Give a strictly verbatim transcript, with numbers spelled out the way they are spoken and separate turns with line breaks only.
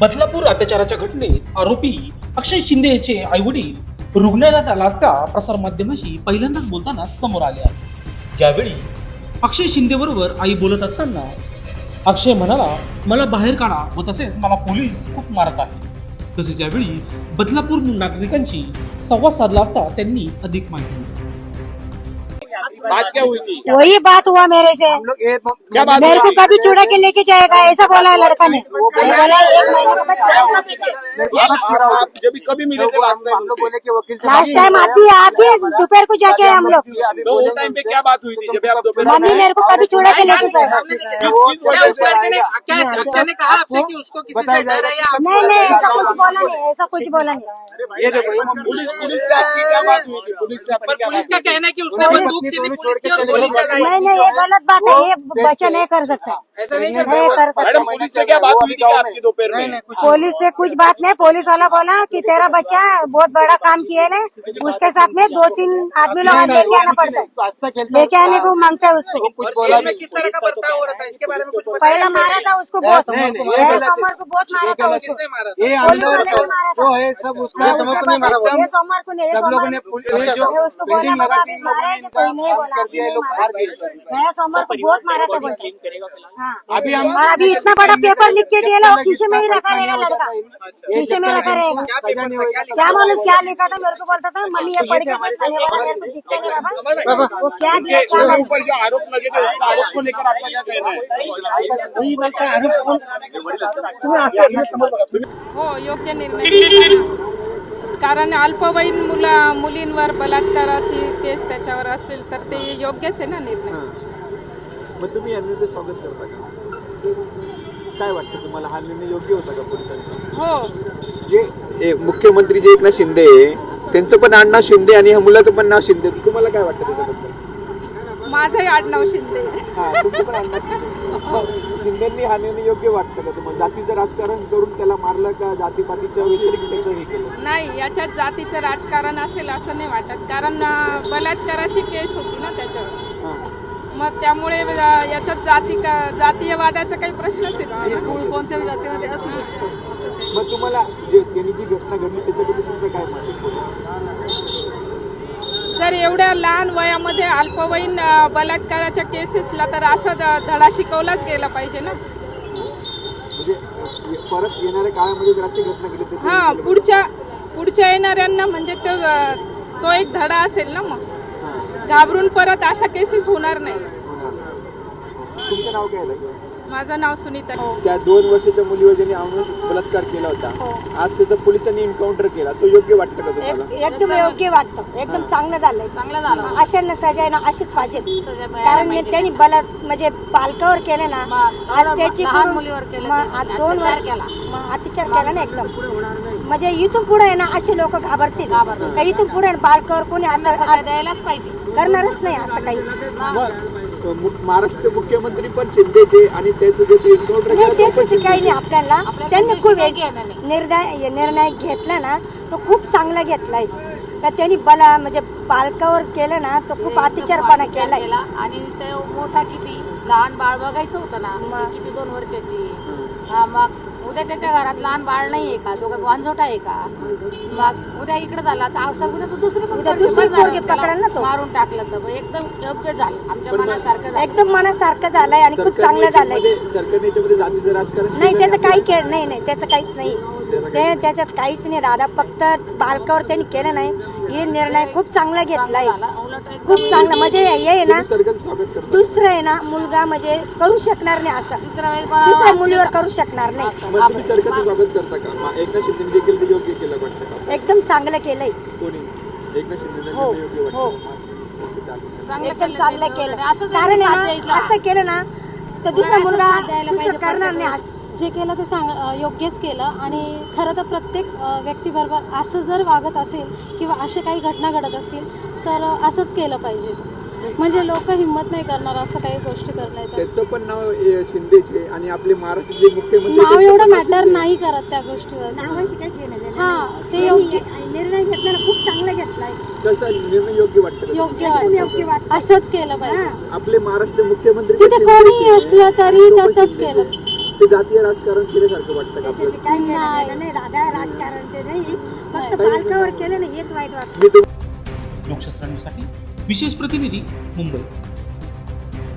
बदलापूर अत्याचाराच्या घटनेत आरोपी अक्षय शिंदे याचे आईवडील रुग्णालयात आला असता प्रसार माध्यमांशी पहिल्यांदाच बोलताना समोर आले आहे। यावेळी अक्षय शिंदे बरोबर आई बोलत असताना अक्षय म्हणाला, मला बाहेर काढा व तसेच मला पोलीस खूप मारत आहे। तसेच यावेळी बदलापूर नागरिकांशी संवाद साधला असता त्यांनी अधिक माहिती दिली।
बात क्या हुई थी?
वही बात हुआ मेरे से।
क्या बात
मेरे को
हुई?
कभी चुड़ा के लेके जाएगा ऐसा बोला है लड़का ने। बोला एक महीने के बाद
आप- आप जब भी कभी मिले थे लास्ट टाइम उनसे?
लास्ट टाइम आती है आती है दोपहर को जाके आए हम लोग।
तो वो टाइम पे क्या बात हुई थी जब आप दोपहर
मम्मी मेरे को कभी चुड़ा के लेके जाएगा।
क्या उस लड़के ने क्या अक्षय ने कहा आपसे कि उसको किसी से डर है या आप
नहीं नहीं ऐसा कुछ बोला नहीं, ऐसा कुछ बोला नहीं।
ये देखो पुलिस पुलिस से आपकी क्या बात हुई थी? पुलिस से आपकी
पर
क्या
पुलिस का
बात हुई?
कहना है कि उसने बंदूक छीनी पुलिस की और गोली चलाई।
नहीं नहीं ये गलत बात है, ये बच्चा नहीं कर सकता।
ऐसा नहीं कर
नहीं कर
मैडम
सकता।
पुलिस से क्या बात हुई थी क्या आपकी दोपहर में?
पुलिस से कुछ बात नहीं। पुलिस वाला बोला कि तेरा बच्चा बहुत बड़ा काम किया है, उसके साथ में दो तीन आदमी लोग लेके आना पड़ता है, लेके आने को मांगता है उसको।
और जेल में किस तरह का बर्ताव हो रहा था इसके बारे में कुछ बताया?
पहला मारा था उसको बहुत, सोमवार को बहुत मारा था उसको।
किसने मारा था?
ये
पुलिस
अंदर
वाले ने मारा था।
जो है सब उसका
उसके
समझ नहीं मारा
बाद ये सोमवार को नहीं, ये
सब लोगों ने
सोमवार
पुलिस जो
ये उसको बोला
बिल्डिंग
बाबा
लगा
अभी मारा है कि कोई नहीं बोला,
कर दिया, ये लोग बाहर गए।
नया सोमवार को बहुत मारा था बोलते। हाँ
अभी हम
और अभी इतना बड़ा पेपर लिख के दिया वो खीसे में ही रखा रहेगा लड़का, खीसे में रखा रहेगा।
क्या पेपर था? क्या लिखा?
क्या मालूम क्या लिखा था, मेरे को बोलता था मम्मी ये पढ़ के मत खाने वाला है तो दिखता नहीं बाबा। वो क्या दिया क्या
उसके
मालूम।
ऊपर जो आरोप लगे थे उसका आरोप को लेकर आपका क्या कहना है?
हो योग्य निर्णय, कारण अल्पवयीन मुला मुलींवर बलात्काराची केस त्याच्यावर असेल तर ते योग्यच आहे ना निर्णय।
मग तुम्ही या निर्णय स्वागत करता का? काय वाटतं तुम्हाला हा निर्णय योग्य होता का पोलिसांचा?
हो
जे ए, मुख्यमंत्री जे एकनाथ शिंदे आहे, त्यांचं पण आडनाव शिंदे आणि ह्या मुलाचं पण नाव शिंदे, तुम्हाला काय वाटतं त्याच्याबद्दल?
माझंही आडनाव शिंदे।
हा तुमचं पण आडनाव शिंदे. शिंदेंनी हा निर्णय योग्य वाटतं का तुम्हाला? जातीचं राजकारण करून त्याला मारलं का जातीपातीच्या व्यतिरिक्त त्याचं हे केलं?
नाही, याच्यात जातीचं राजकारण असेल असं नाही वाटत, कारण अं, बलात्काराची केस होती ना त्याच्यावर,
हा.
मग त्यामुळे अं, याच्यात जाती का जातीयवादाचा काही प्रश्नच येत नाही ना। कोणत्याही जातीमध्ये असू शकतो।
मग तुम्हाला जे त्यांनी जी घटना घडली त्याच्याबद्दल तुमचं काय मत आहे?
जर एवढ्या लहान वयामध्ये अल्पवयीन अं, बलात्काराच्या केसेसला तर असा ध- धडा शिकवलाच गेला पाहिजे ना।
म्हणजे परत येणाऱ्या काळामध्ये जर अशी घटना घडली तर
हा पुढच्या पुढच्या येणाऱ्यांना म्हणजे तो तो एक धडा असेल ना, मग घाबरून परत अशा केसेस होणार नाही।
तुमचं नाव काय आहे?
माझं नाव सुनीता।
त्या दोन वर्षाच्या मुलीवर ज्यांनी अमानुष बलात्कार केला होता, आज त्याचा पोलिसांनी एन्काउंटर केला, तो योग्य वाटतं का तुम्हाला?
एक- एकदम योग्य वाटतं, एकदम चांगलं झालंय, चांगलं झालं। अशांना सजाय ना अशीच पाहिजे, कारण मी त्यांनी बला म्हणजे पालकावर केलं ना, आज त्याची मुलीवर आज दोन वर्ष मग अत्याचार केला ना एकदम, म्हणजे इथून पुढे आहे ना असे लोक घाबरतील का इथून पुढे बालकावर कोणी असं द्यायलाच पाहिजे, करणारच नाही असं काही।
मु- महाराष्ट्राचे मुख्यमंत्री पण शिंदेचे आणि त्याचं जे एन्काउंटर
नाही
केलं
त्याच काही नाही आपल्याला, त्यांनी खूप निर्णय निर्णय घेतला ना तो खूप चांगला घेतलाय का त्यांनी बला म्हणजे बालकावर केलं ना तो खूप अत्याचारपणा केलाय।
आणि ते मोठा किती लहान बाळ बघायचं होतं ना, ती किती दोन वर्षाची, हा मग उद्या त्याच्या घरात लहान बाळ नाहीये का, दोघं वांझोट आहे का, मग उद्या इकडे झाला तर अवसर उद्या तो दुसरी पण
उद्या
पोरगी
दुसरी
बघणार,
पोरगी
त्याला
पकडेल ना तो.
मारून टाकलं तर एकदम योग्य झालं, आमच्या मनासारखं झालं.
एकदम मनासारखं झालंय आणि खूप चांगलं झालंय।
सरकारने याच्यामध्ये जातीचं राजकारण
नाही त्याचं काही के नाही नाही त्याचं काहीच नाही, ते त्याच्यात काहीच नाही दादा, फक्त बालकावर त्यांनी केलं नाही, हे निर्णय खूप चांगला घेतलाय, खूप चांगला म्हणजे हे आहे ना
सरकारचं स्वागत करतो.
दुसरं आहे ना मुलगा म्हणजे करू शकणार नाही असं,
दुसरा वेळेस बा-
दुसऱ्या मुलीवर करू शकणार नाही।
मग तुम्ही सरकारचं स्वागत करता का? मग एकनाथ शिंदे देखील ते योग्य केलं वाटतं का?
एकदम चांगलं केलंय,
कोणी एकनाथ शिंदे
हो
योग्य
हो
वाटतं?
चांगलं
एकदम
केलं
चांगलं
ते
केलं,
बरोबर. असं जर
कारण
साथ
आहे
द्यायचं.
ना असं केलं ना तर दुसरा मुलगा
द्यायला
दुसरं
पाहिजे
करणार नाही।
जे केलं ते चांग योग्यच केलं आणि खरं तर प्रत्येक अ, व्यक्तीबरोबर असं जर वागत असेल किंवा असे काही घटना घडत असतील तर अ, असंच केलं पाहिजे, म्हणजे लोक हिंमत नाही करणार असं काही गोष्टी करण्याच्या।
त्याचं पण नाव ए, शिंदेचे आणि आपले महाराष्ट्राचे मुख्यमंत्री
नाव
त्यांचं
एवढं
पण नाव
मॅटर
शिंदे.
नाही करत त्या गोष्टीवर,
नावाशी काही घेणं देणं
हा
नाही.
ते योग्य
निर्णय घेतला ना खूप चांगला घेतलाय,
तसा निर्णय योग्य वाटतं का?
योग्य
योग्य
वाटतं,
वाटतं।
असंच केलं पाहिजे,
आपले महाराष्ट्र मुख्यमंत्री
तिथे
पण
कोणी
शिंदेचे आहे
असलं तरी
आणि तो पण
तसंच
शिंदेचे
केलं।
आहे. ते
ते जातीय राजकारण केल्यासारखं वाटतं का
त्याच्याशी
आपल्याला?
काही घेणं
नाही.
देणं नाही दादा राजकारण ते नाही फक्त
नाही.
पालकावर केलं ना हेच वाईट वाटतं
मी
लोकशास्त्र न्यूजसाठी विशेष प्रतिनिधी मुंबई.